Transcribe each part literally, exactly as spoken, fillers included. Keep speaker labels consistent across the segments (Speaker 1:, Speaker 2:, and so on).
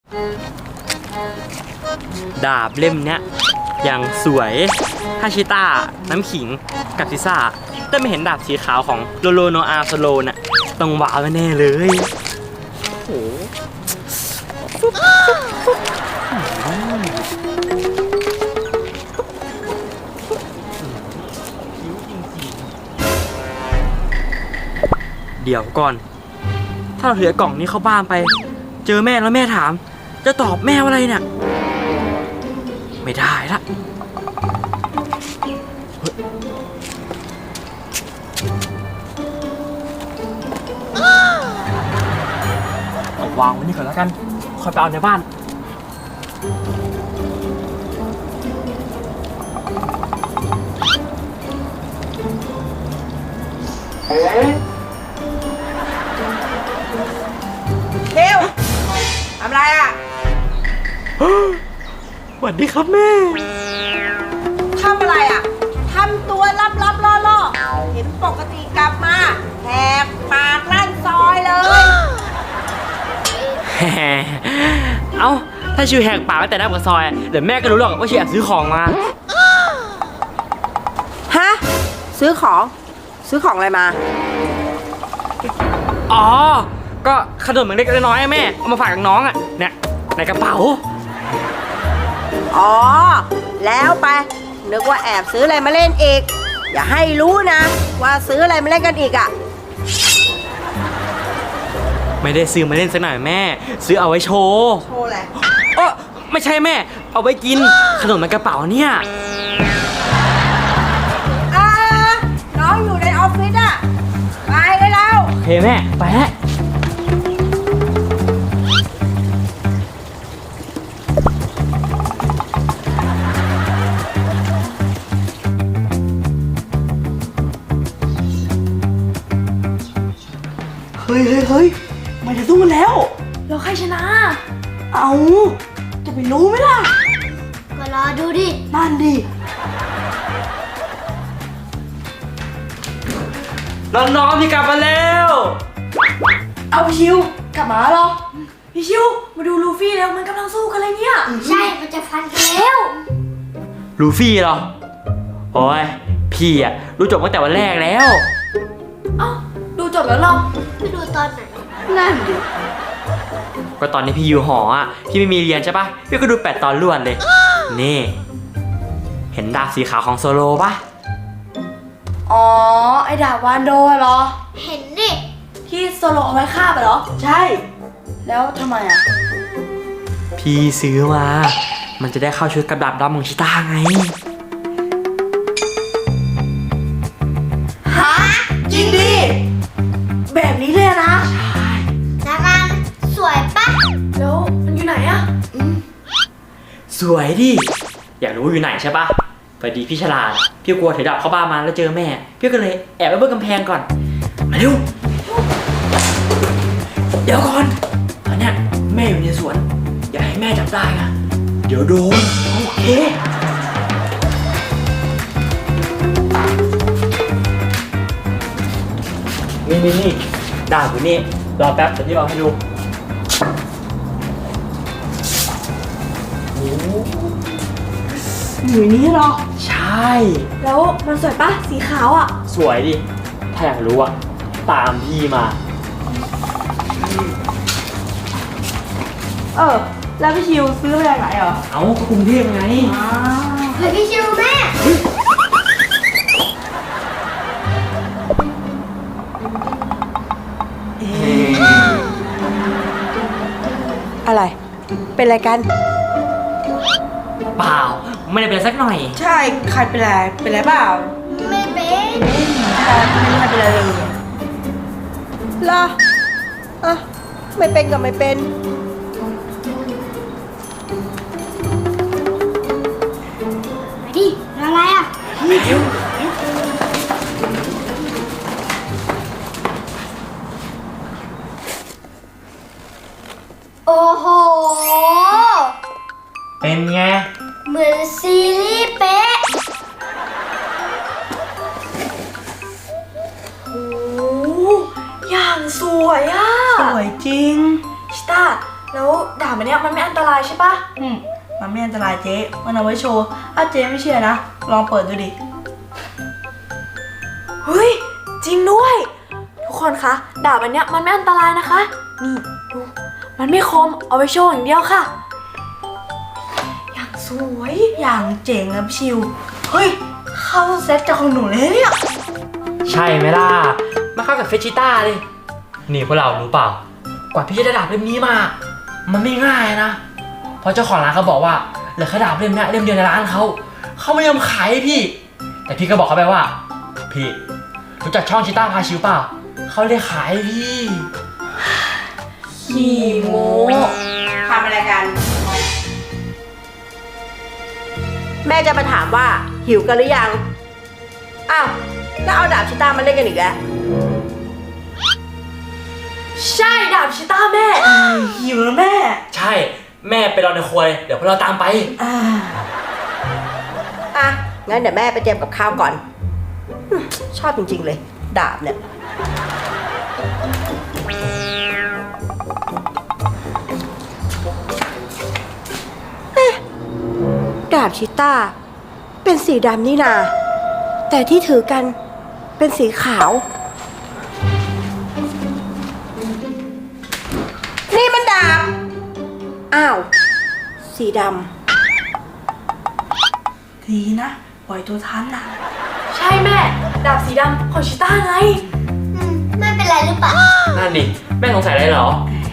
Speaker 1: ดาบเล่มเนี้ยอย่างสวยฮาชิต้าน้ำขิงกับซิซ่าแต่ไม่เห็นดาบสีขาวของโลโลโนอาโซโลน่ะต้องว้าวแน่เลยโอ้เดี๋ยวก่อนถ้าเราถือกล่องนี้เข้าบ้านไปเจอแม่แล้วแม่ถามจะตอบแม่ว่าอะไรเนี่ยไม่ได้ละเอาวางไว้นี่ก่อนแล้วกันค่อยไปเอาในบ้าน
Speaker 2: เร็วทำไรอ่ะ
Speaker 1: สวัสดีครับแม่
Speaker 2: ทำอะไรอ่ะทำตัวลับลับล่อล่อเห็นปกติกลับมาแหกปากลั่นซอยเลย
Speaker 1: เอ้าถ้าชิวแหกปากไว้แต่หน้าปากซอยเดี๋ยวแม่ก็รู้หรอกว่าชิวแอบซื้อของมา
Speaker 2: ฮะซื้อของซื้อของอะไรมา
Speaker 1: อ๋อก็ขนมเล็กๆน้อยๆแม่เอามาฝากกับน้องอ่ะเนี่ยในกระเป๋า
Speaker 2: อ๋อแล้วไปนึกว่าแอบซื้ออะไรมาเล่นอีกอย่าให้รู้นะว่าซื้ออะไรมาเล่นกันอีกอ่ะ
Speaker 1: ไม่ได้ซื้อมาเล่นสักหน่อยแม่ซื้อเอาไว้โชว์
Speaker 2: โชว์อะไร
Speaker 1: เออไม่ใช่แม่เอาไว้กินขนมในกระเป๋าเนี่ย
Speaker 2: อ่าน้องอยู่ในออฟฟิศอ่ะไปได้แล้ว
Speaker 1: โอเคแม่ไปแล้วเฮ้ยเฮ้ยเฮ้ยมันจะสู้กันแล้ว
Speaker 3: เราใครชนะ
Speaker 1: เอาจะไปรู้ไหมล่ะ
Speaker 3: ก็รอดูดิ
Speaker 1: นั่นดิน้องๆพี่กลับมาแล้ว
Speaker 3: เอาพี่ชิวกลับมาเหรอพี่ชิวมาดูลูฟี่แล้วมันกำลังสู้กันเลยเนี่ยใช่มันจะฟันกันแล้ว
Speaker 1: ลูฟี่เหรอโอ้ยพี่อะรู้จบตั้งแต่วันแรกแล้ว
Speaker 3: เอ้าดูจบแล้วหรอไปดูตอนไหนนั่นดิ
Speaker 1: ก็ตอนนี้พี่อยู่หออ่ะพี่ไม่มีเรียนใช่ปะพี่ก็ดูแปดตอนล้วนเลยนี่เห็นดาบสีขาวของโซโลปะ
Speaker 3: อ๋อไอ้ดาบวานโดเหรอเห็นดิที่โซโลเอาไว้ฆ่าไปเหรอใช่แล้วทำไมอ่ะ
Speaker 1: พี่ซื้อมามันจะได้เข้าชุดกับดาบดำของชิต้าไง
Speaker 3: ฮะจริงดิแบบนี้เลยนะ
Speaker 1: ใช่
Speaker 3: แล้วมันสวยปะแล้วมันอยู่ไหนอะ
Speaker 1: สวยดิอยากรู้อยู่ไหนใช่ปะพอดีพี่ฉลาดพี่กลัวถือดาบเข้าบ้านมาแล้วเจอแม่พี่ก็เลยแอบไปเบิ้งกำแพงก่อนมาเร็วเดี๋ยวก่อนตอนเนี้ยแม่อยู่ในสวนอย่าให้แม่จับได้นะเดี๋ยวโดนโอเคนี่นี่นี่ดาบอยู่นี่รอแป๊บเดี๋ยวพี่เอาให้ดู
Speaker 3: อยู่นี้หรอ
Speaker 1: ใช่
Speaker 3: แล้วมันสวยปะสีขาวอ่ะ
Speaker 1: สวยดิถ้าอยากรู้อ่ะตามพี่มา
Speaker 3: เออแล้วพี่ชิวซื้อมาจากไหนเหรอ
Speaker 1: เอาก็กรุงเทพไง
Speaker 3: เฮ้ยพี่ชิวแม่
Speaker 2: อะไรเป็นอะไรกัน
Speaker 1: เปล่าไม่ได้เป็นสักหน่อย
Speaker 2: ใช่ใครเป็นไรเป็นไรเปล่า
Speaker 3: ไม่เป็น
Speaker 2: ใช่ไม่เป็นไรเลยเหรออ่ะไม่เป็นก็ไม่เป็น
Speaker 3: มาดิอะไรอ่ะ
Speaker 1: ไม่เดี๋ยว
Speaker 3: โอ้โห
Speaker 1: เป็นไง
Speaker 3: เหมือนซีรีส์เป๊ะโอ้อย่างสวยอ่ะ
Speaker 2: สวยจริง
Speaker 3: ชิต้าแล้วด่ามันนี้ยมันไม่อันตรายใช่ปะอืมมันไม่อันตรายเจ๊มันเอาไว้โชว์ถ้าเจ๊ไม่เชื่อนะลองเปิดดูดิเฮ้ยจริงด้วยทุกคนคะดาบอันเนี้ยมันไม่อันตรายนะคะนี่ดูมันไม่คมเอาไว้โชว์อย่างเดียวค่ะอย่างสวยอย่างเจ๋งนะพี่ชิวเฮ้ยเข้าเซ็ตจากของหนูเลยเนี่ย
Speaker 1: ใช่ไหมล่ะมาเข้ากับเฟชิต้าเลยนี่พวกเรารู้เปล่ากว่าพี่จะได้ดาบเล่มนี้มามันไม่ง่ายนะเพราะเจ้าของร้านเขาบอกว่าเหลือแค่ดาบเล่มนี้เล่มเดียวในร้านเขาเขาไม่ยอมขายให้พี่แต่พี่ก็บอกเขาไปว่าพี่รู้จักช่องชิต้าพาชิวเปล่าเขาเลยขายให้พี่
Speaker 3: ขี้โม้
Speaker 2: ทำอะไรกัน แม่จะมาถามว่าหิวกันหรือยัง อ้าว แล้วเอาดาบชิต้ามาเล่นกันอีกแล้ว
Speaker 3: ใช่ดาบชิต้าแม่หิวแล้วแม่
Speaker 1: ใช่แม่ไปรอในครัวเลยเดี๋ยวพวกเราตามไป
Speaker 3: อ่า
Speaker 2: อ่ะ งั้นเดี๋ยวแม่ไปเตรียมกับข้าวก่อนอืมชอบจริงๆเลย ดาบเนี่ย เอ๊ะ ดาบชิต้า เป็นสีดำนี่นา แต่ที่ถือกันเป็นสีขาว นี่มันดาบ อ้าว สีดำ
Speaker 3: ดีนะปล่อยตัวทันนะใช่แม่ดาบสีดำของชิต้าไง
Speaker 4: อืมไม่เป็นไรหรือเปล่า
Speaker 1: นั่นดิแม่สงสัยอะไรเหรอ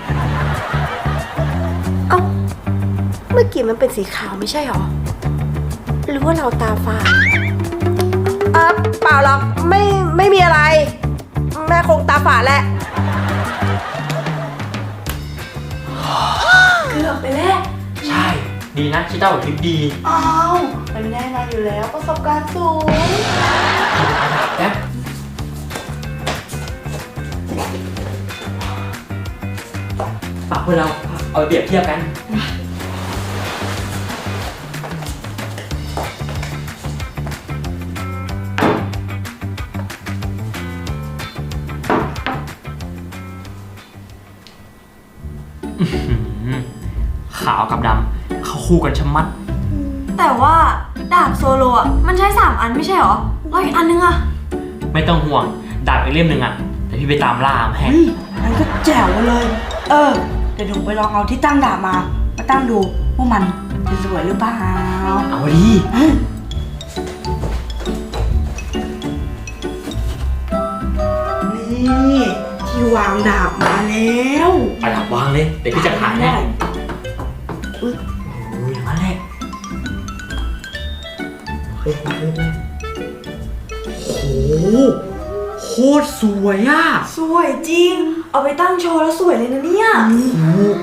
Speaker 2: เอ้า เมื่อกี้มันเป็นสีขาวไม่ใช่หรอ หรือว่าเราตาฝาดเออเปล่าหรอก ไม่ไม่มีอะไร แม่คงตาฝาดแหละ
Speaker 3: เกือบไปแล้ว
Speaker 1: ใช่ดีนะชิต้าบอกคลิปดี
Speaker 3: อ้าวมันแน่นอนอยู่แล้วประสบการณ์สูง
Speaker 1: แป๊บฝากพวกเราเอาไปเปรียบเทียบกันอื้อหือขาวกับดำเขาคู่กันชะมัด
Speaker 3: แต่ว่าดาบโซโลอ่ะมันใช้สามอันไม่ใช่หรอแล้วอีกอันนึงอ่ะ
Speaker 1: ไม่ต้องห่วงดาบอีกเล่มหนึ่งอ่ะแต่พี่ไปตามล่ามาให้
Speaker 3: เฮ้ยมันก็แจ๋วเลย เออเดี๋ยวหนูไปลองเอาที่ตั้งดาบมา มาตั้งดูว่ามันจะสวยหรือเปล่า
Speaker 1: เอาดิ
Speaker 3: นี่ที่วางดาบมาแล้ว
Speaker 1: เอาดาบวางเลยเดี๋ยวพี่จะถ่ายให้
Speaker 3: ได้
Speaker 1: โอ้ยอย่างนั้นแหละเฮ้ยเฮ้ยแม่โหโคตรสวยอ่ะ
Speaker 3: สวยจริง เอาไปตั้งโชว์แล้วสวยเลยนะเนี่ย
Speaker 1: โอ้โห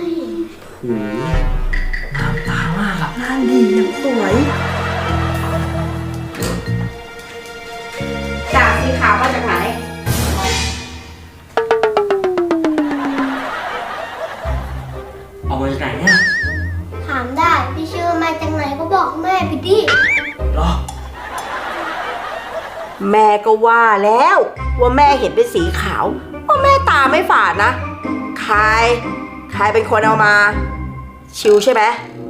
Speaker 1: งามตามากอ่ะ
Speaker 3: งานดียังสวย
Speaker 2: ดาบสีขาวมาจากไหน
Speaker 1: เอามาจากไหนเนี่ย
Speaker 4: ถามได้ พี่ชื่อมาจากไหนก็บอกแม่พี่ดิ
Speaker 1: เหรอ
Speaker 2: แม่ก็ว่าแล้ว ว่าแม่เห็นเป็นสีขาวว่าแม่ตาไม่ฝาดนะ ใคร ใครเป็นคนเอามา ชิวใช่ไหม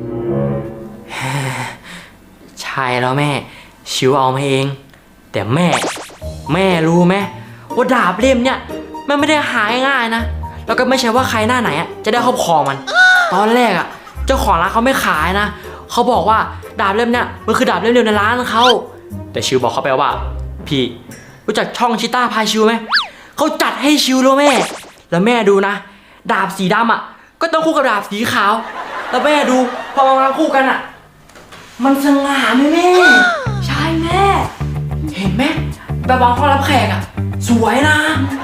Speaker 1: ใช่แล้วแม่ชิวเอามาเอง แต่แม่ แม่รู้ไหมว่าดาบเล่มเนี่ยมันไม่ได้หาง่ายๆนะแล้วก็ไม่ใช่ว่าใครหน้าไหนอ่ะจะได้ครอบครองมัน ตอนแรกอ่ะเจ้าของร้านเขาไม่ขายนะเขาบอกว่าดาบเล่มเนี่ยมันคือดาบเล่มเดียวในร้านเขาแต่ชิวบอกเขาไปว่าพี่รู้จักช่องชิต้าพาชิวไหมเขาจัดให้ชิวแล้วแม่ แล้วแม่ดูนะ ดาบสีดำอ่ะก็ต้องคู่กับดาบสีขาว แล้วแม่ดูพอมาวางคู่กันอ่ะ มันสง่าไหมแม่
Speaker 3: ใช่แม่
Speaker 1: เห็นไหมแบบวางห้องรับแขกอ่ะ สวยนะ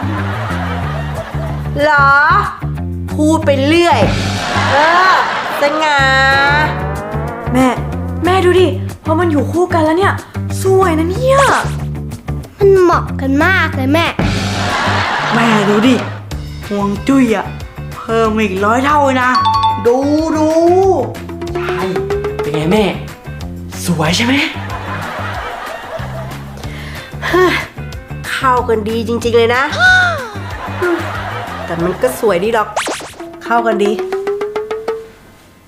Speaker 2: เหรอ พูดไปเรื่อย เออสง่า
Speaker 3: แม่ แม่ดูดิพอมันอยู่คู่กันแล้วเนี่ย สวยนะเนี่ย
Speaker 4: มันเหมาะกันมากเลยแม่
Speaker 3: แม่ดูดิห่วงจุ้ยอะเพิ่มอีกร้อยเท่าเลยนะ ดูดู
Speaker 1: ใช่ เป็นไงแม่ สวยใช่ไหม
Speaker 2: เข้ากันดีจริงๆเลยนะ แต่มันก็สวยดีหรอก เข้ากันดี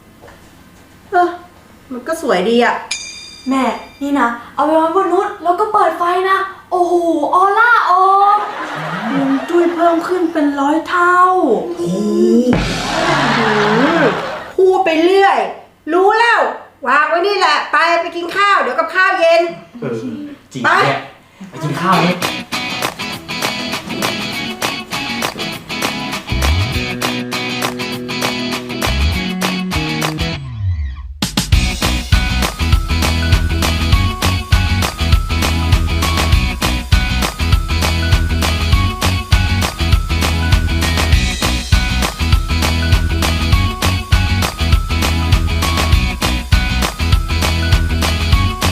Speaker 2: มันก็สวยดีอะ
Speaker 3: แม่นี่นะเอาไปไว้บนนู้นแล้วก็เปิดไฟนะโอ้โหออร่าออก
Speaker 2: ฮวงจุ้ยเพิ่มขึ้นเป็นร้อยเท่าพูดไปเรื่อย รู้แล้ว วางไว้นี่แหละ ไปไปกินข้าว เดี๋ยวกับข้าวเย็น
Speaker 1: เออจริงเนี่ยไปกินข้าวเนี่ย
Speaker 2: ไ